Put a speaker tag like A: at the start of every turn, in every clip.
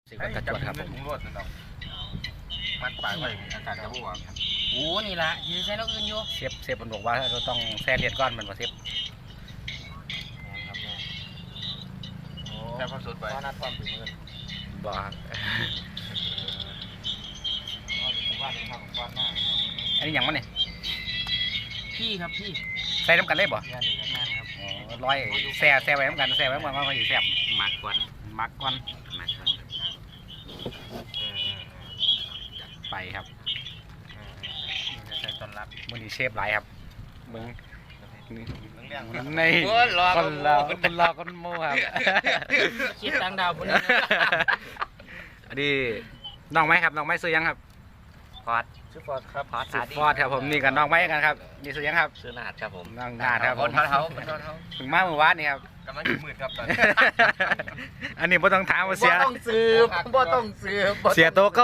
A: สิบกระจวดครับผม
B: ถุงรวดนั่นดอกมันปลายไว้อากาศจะบวก
C: โอ้นี่ละยืนใช้แล้วอื่นอยู่
A: เซฟมันบอกว่าเราต้องแซ่เลียดก้อนมันมาเซฟ
B: แค่พอสุดไป
C: ตอนนัดความถึงมือ
A: บอก
B: ว่าเป็นข้าวของก้อนหน้า
A: อันนี้ยังวะเนี่ย
C: พี่ครับพี่
A: ใส่น้ำกันเลยบ่
C: งานครับ
A: ร้อยแซ่ไว้น้ำกันแซ่ไว้น้ำกันว่าเขาสิแซ่บ
C: หมักก่อน
A: มักก้อน
C: หมักก่อน
A: ไปครับ
B: ใช้ตอนรับ
A: มือนี้เชฟหลายครับมึง
B: เรื่อง
A: ในคนเราคนโม่ครับ
C: คิดตังดาวคนนี้
A: อันนี้น้องไม้ครับน้องไม้ซื้อยังครับพอด
B: ชื่อฟอร์ดครับ
A: สุดพอดครับผมนี่กับน้องไม้กันครับนี่ซื้อยังครับ
C: ซื้อหนาดครับผม
A: น้องนาดครับผม
B: คนเท้า
A: ถึงมาเมื่อวานนี่ครับ
B: กำลังอยู่มืดครับตอนนี้
A: อันนี้ไม่ต้องถามว่าเสีย
C: ต้องซื้อบ่ต้องซื้อ
A: เสียโตโก้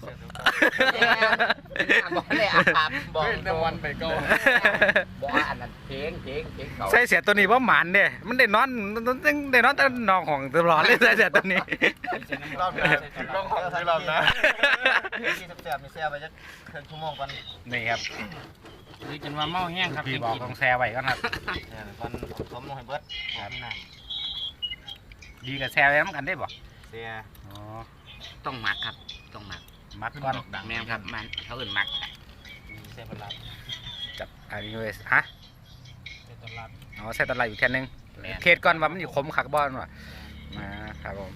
C: บอกเลยอาบบอก
B: น้ำวันไปก็
C: บอกอันนั้นเพลงเขา
A: ใส่เสียตัวนี้เพราะหมันเด้มันได้นอนได้นอนแต่นอนของตลอดเลยใส่เสียตัวนี้
B: รอบนะรอบของที่รอบนะที่แซ่บๆมีแซ่บไปจะครึ่งชั่วโมงก่อน
A: นี่ครับ
C: คือจนว่าเมาแห้งครับ
A: พี่บอกต้องแซ่ไว้ก่อนครับ
B: เนี่ยก่อนผมลงให้เบิร์ดครับนี่นะ
A: ดีกับแซ่ไว้น้ำกันได้บ่
B: เสีย
A: อ๋อ
C: ต้องหมักครับต้องหมัก
A: มักก่อน
C: แม่ครับมันเขาอื่นหมัก
B: เสียเป็นรับ
A: จับอันนี้เลยฮะ
B: เสียตอนรับ
A: อ๋อใส่ตะไลอยู่แค่นึงเคสก่อนว่ามันอยู่คมขักบอลว่ะมาครับผม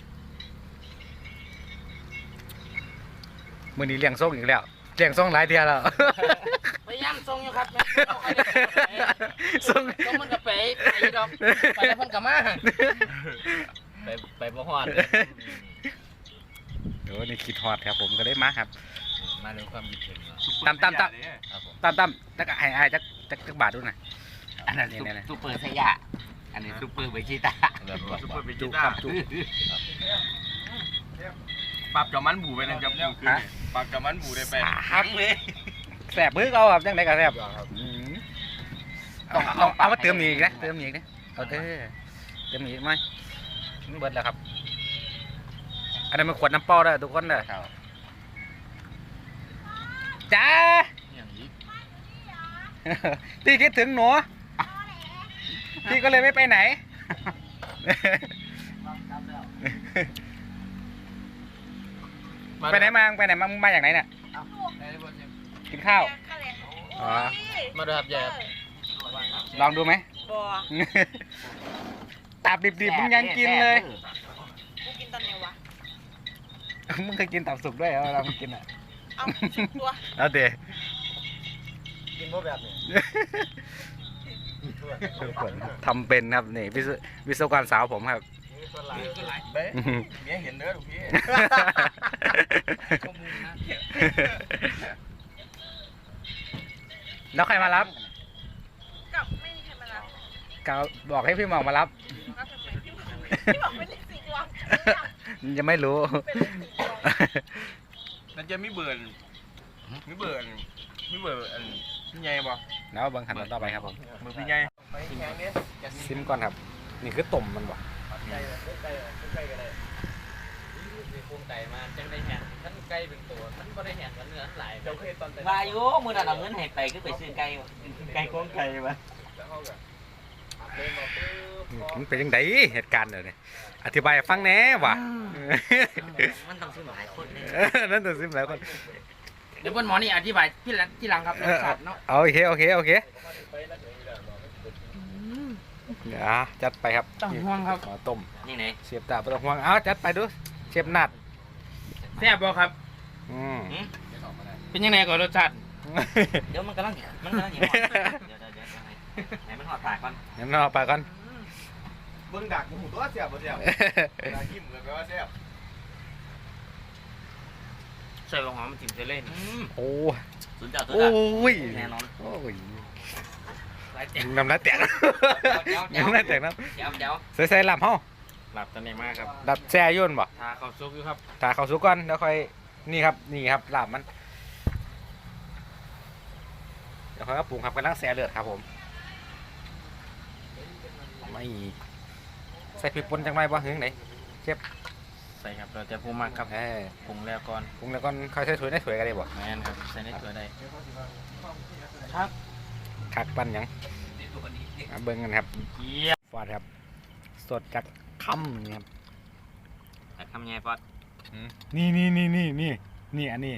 A: มือนี้เลี้ยงส่งอีกแล้วเลี้ยงส่งหลายเทียแล้ว
C: พยายามทรงอยู่ครับ
A: ส่ง
C: ต้องมันกับไปดอกไปแล้วมันกับมาไปบ่ฮอด
A: เดี๋ยวนี่คิดฮอดครับผมก็ได้มาครับ
C: มาดูความคิดถึง
A: ตามแล้วก็ไอ้จักบาทดูหน่อย
C: อันนั้นซูเปอร์สยะอันนี้ซูเปอร์เบจิต้า
B: ซุปเปอร์บิ
A: จุ
B: จิ
A: ค
B: ต้า
A: รับจุ
B: ปรับจอมันบูไปนะจับปรับจอมันบูได้ไป
A: หักเลยแสบมือเขาครับจังไดก็แสบเอามาเติมอีกนะเติมอีกนะเอาเติมอีกไหมมันเบิดแล้วครับอันนั้นมันขวดน้ำเปล่าได้ทุกคนเลยจ้าพี่คิดถึงหนูพี่ก็เลยไม่ไปไหนไปไหนมามึงมาจากไหนเนี่ยกินข้าวอ๋อ
C: มาดูครับยายครับ
A: ลองดูไหม
D: บัว
A: ตับดิบๆมึงยังกินเลย
D: กูกินตอนไหนวะ
A: มึงเคยกินตับสุกด้วยเหรอเรากินอ่ะ
D: เอาสิบตัว
A: เอาเดี๋ยว
B: กินพวกแบบนี้
A: ทำเป็นครับนี่วิศวกรสาวผมครับ
B: เบ๊ะเมียเห็นเด้อลูกพี่
A: แล้วใครมารับ
D: กับไม่มีใครมารับ
A: กาวบอกให้พี่หมอกมารับ
D: พี่บอกเป็นเลขสี่ตัว
A: ยังไม่รู้
B: นั่นจะมีเบิร์นอันพี่ใหญ่บ่
A: แล้วบางขันต่อไปครับผม
B: มือพี่ใหญ่
A: ซิมก่อนครับ นี่คือต้มมันบ่
C: ปรุงไก่มาจังได้แหนท่านไก่เป็นตัวท่านก็ได้แหนเนื้อหลาย
E: ว่าอยู่มือนั้นเอาเงินให้ไปก็ไปซื้อไก่โครงไก่มา
A: มันเป็นยังไงเหตุการณ์เนี่ยอธิบายให้ฟังแหน่ว่ะ
E: มันต้องซื้อหลายคนเลย
A: นั่นตัวซิมหลายคน
C: เดี๋ยวบนหมอนี่อธิบายที่หลังครับรสชาติเนาะ
A: โอเคเดี๋ยวจัดไปครับ
C: ต้องห่วงครับ
A: ขอต้ม
E: นี่ไหน
A: เสียบตาปลาห่วงเอาจัดไปดูเชฟนัด
C: แซ่บบ่ครับ เป็นยังไงก่อนรสชาติ
E: เดี๋ยวมันกำลังเดี๋ยวให้มันหอดปากก่อน
A: งั้นเอาไปก่อน
B: เบิ่งดักหมูตัวเสียบบ่เสียบดักยิ้มเลยแปลว่าเสียบ
C: ใส่ลงหอมจิ้มเจเล่น
A: โอ้
E: ศูนย์เจ้าตัว
A: โอ้ย
E: แน่นอน
A: โอ้ย
C: หลายแจ่ง
A: น้ำลายแตกน้ำลายแตกน้ำ
E: เดี๋ยว
A: ใส่ลำเฮา
C: หลับตอนนี้มากครับ
A: ดับแช่ยุ่นบ่
C: ทาข้าวซุปอยู่ครับ
A: ถ้าเขาสุกก่อนแล้วค่อยนี่ครับลาบมันเดี๋ยวค่อยเอาปรุงครับกำลังแซ่เลือดครับผมไม่ใส่พริกป่นจังไรบ่ถึงไหนเชฟ
C: ใส่ครับเราจะพูมากครับปรุงแล้วก่อน
A: ปรุงแล้วก็ค่อยใส่ถ้วยในถ้วยกันได้บ่
C: แม่นครับใส่ในตัวได้
A: คักปั้นหยังมาเบิ่งกันครับ
C: เกี๊ย
A: ฟอดครับสดจากคำนี่ครับ
E: แต่ทำไงปอด
A: นี่อันนี้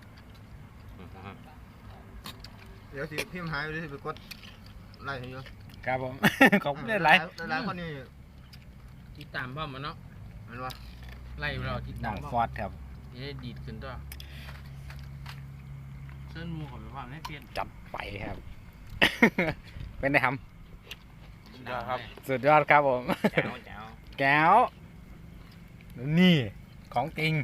B: เดี๋ยวสิพิมพ์หายไปสิไปกดไล่ให้อยู่
A: ครับผม ขอบคุณหลาย
B: หลายคนนี่
C: ติดตามพ่อมันเนาะ
B: มันว่า
C: ไล่เราติด
A: ๆน้
C: ตา
A: อ
C: ม
A: ง
C: พ่อ
A: ฟอดครับ
C: จะได้ดีดขึ้นตัวเส้นมูของไปว่าให้เปลี่ยน
A: จัดไปครับ เป็นไงครับ
C: ครับ
A: สุดยอดครับผม
E: แจ๋วแจ๋ว
A: แก้วนี่ของจริง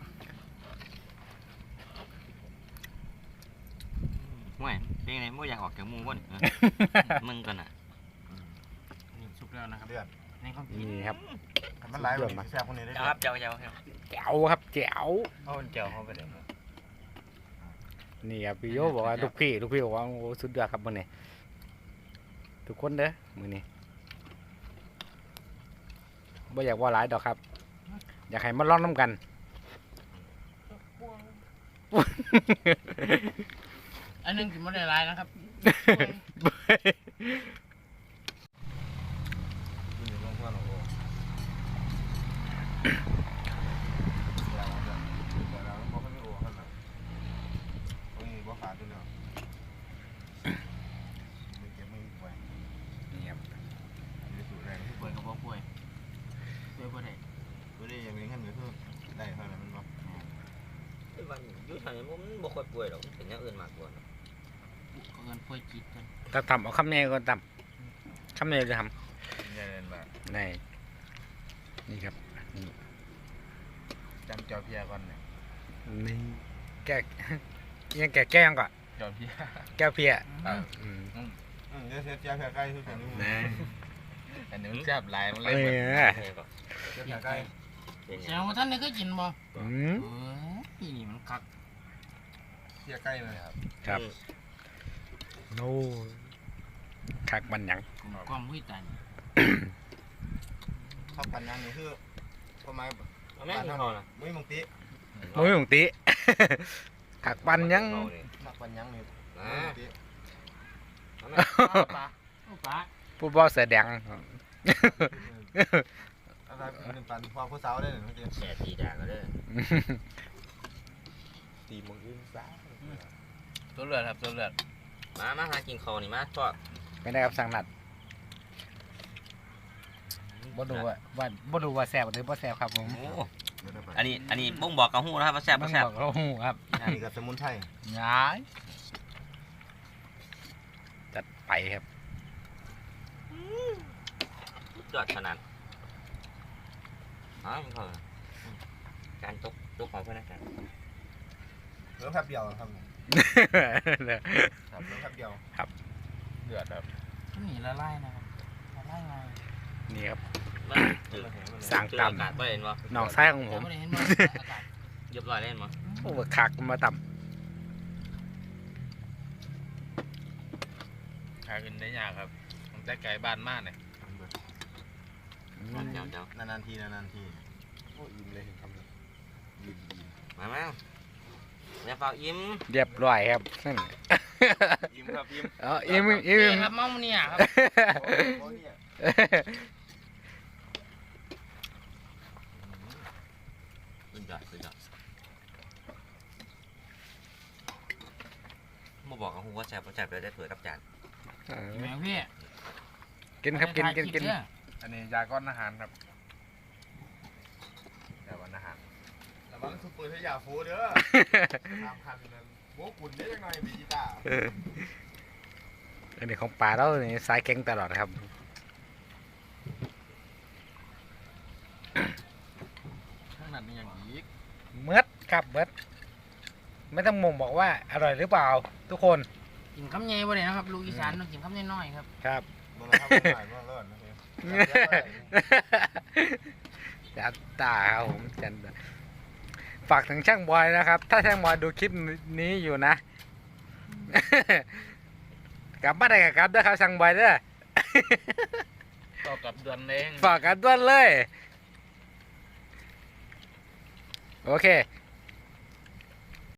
E: ห่วยเป็นไงไม่อยากออกจากมูบ่นมึงกันอ่ะ
C: นี่สุกแล้วนะครับ
B: เดือด
C: ในความผิด
A: นี่ครับ
B: มันหลายคนนี่แซ่บคนนี้ได้
E: เจ้าครับเจ้าเจ้าครับ
A: แก้วครับแก้ว
C: เอาเจียวเข้าไปเลย
A: นี่ครับพี่โยบอกว่าลูกพี่บอกว่าโอ้สุดยอดครับมื้อนี้ทุกคนเด้อมื้อนี้บ่อยากว่าหลายดอกครับ อยากให้มาลองน้ำกัน
C: อันนึงกินไม่ได้ลายนะครับ
B: อยู่ลงหัวหนูแล้วมันบ่ค่อยมีโอ้ขนาดโอ้ยบ่ขาดตัวเนาะไม่เก็บไม่ไว้
A: นี่ครับ
B: ไม่สูดแรง
C: ป่วยกับป่วยป่วยได้
B: ตัวนี้ยังมีขั้นก็คือได้เท่านั้นมันบ่
E: วันยุ่งทางนี้มันบ่ค่อยป่วยหรอกเป็นอย่างอื่นมากกว่า
C: ก็เงินป่วยจิตกัน
A: ถ้าทำเอาคำแน่ก็ทำคำแน่จะท
B: ใหญ่เลยมา
A: ำนี่ครับนี่
B: จำเจ้าเพียก่อนเนี่ย
A: นี่แก้ยังแก้แก้ยังก่อน
B: เจ้าเพีย
A: แก้วเพียอืม
B: เดี๋ยวเสียเจ้าเพียใกล้ทุกคนนี่
A: นะ
B: อันนี้มันแซ่บหลายมัน
A: เอ
B: เลย
A: อ
B: เจ้าเพียใกล้
C: แสดงว่าท่านนี่ก็กินบ่
A: อืม
C: นี่มันคัก
B: เพียใกล้เลยครับ
A: ครับโน่คักมันหยัง
C: ความหุ้ยตัน
B: ข้าวปั่นยังนี่คือประมาณ
E: แม่งพอนะ
B: มุ้ยมังติ
A: มุ้ยหงติ คักปันหยัง
B: มักปั่นยังนี่
E: อ่า
B: มุ้ยมังติ
C: ปลาปลา
A: ผู้บอลเสือแดง
B: อะไรเป็นปั่นพอผู้สาวได้หนึ่งเมื่อกี้
E: แฉตีด่าก็ได้
B: ตีมึงอื่นสาว
C: ตัวเลือดครับตัวเลือด
E: มาหากินข้าวนี่มาทอด
A: ไม่ได้ครับสั่งนัดบ่ดูว่าแซ่บหรือบ่แซ่บครับผม
E: โอ้อันนี้บ่งบอกกับหูนะครับว่าแซ่บ
A: มั
E: บ่
A: น
E: แซ่บ
A: บอกเราหูครับ
B: นี่กับสมุนไพร
A: ย้ายจัดไปครับ
E: ยอดขนาดอ๋อมันพอการตกของเพื่อนนะครับ
B: เหลือแป๊บเดียวครับเหลือแป๊บเดียวเดือดครับ
C: นี่ละลายนะครับละลายไง
A: นี่ครับ
E: มันจืด
A: สั่ง
E: จืด
A: ตำ
E: อากาศบ่เห็นบ่
A: น้องชายของผม
C: ไม่ได้เห็นบ่อากาศ
E: เรียบร้อยเล่นบ่
A: โอ้คักมาต่
F: ขายเป็นได้ยากครับมันจะไกลบ้านมากเนี่ย
A: ำ
E: เจ้าน
B: านๆทีโอ้ยิ้มเลยครับยิ้ม
E: มาอย่าเฝ้ายิ้ม
A: เรียบร้อยครับนั่น
F: ยิ้มครับยิ้ม
A: อิ่ม
C: นี่ครับเมาเนี่ยครับ
B: โอ้เนี่ย
E: สุดยอดบ่บอกกับหูว่าแซ่บบ่แซ่บเลยได้เผื่อกับจาน
C: แมวพี่
A: กินครับกิน
F: อันนี้ยาก้อนอาหารครับยาก้อนอาหาร
B: ระวังซุปเปอร์ทยาฟูเด้อตามคันนั้นโม้กุ่นได้ยังไงมีกีตาร์
A: อันนี้ของป่าแล้วนี่สายแข็งตลอดครับ
F: ข้างนั้นนี่อย่างอีก
A: เมืดครับเมืดไม่ต้องมงบอกว่าอร่อยหรือเปล่า ทุกคน
C: กินคำใหญ่บ่ได้นะครับลูกอีสานต้องกินคำน้อยๆครับ
A: ครับ
B: มันทำไม่ได้มันเลิศนะพี่
A: จัดตาครับผมจันฝากถึงช่างบอยนะครับ ถ้าช่างบอยดูคลิปนี้อยู่นะ กลับมาได้กับกลับด้วยครับช่างบอยเด้อ
F: ต่อกับเดือนเอง
A: ฝากกันด้วยเลยโอเค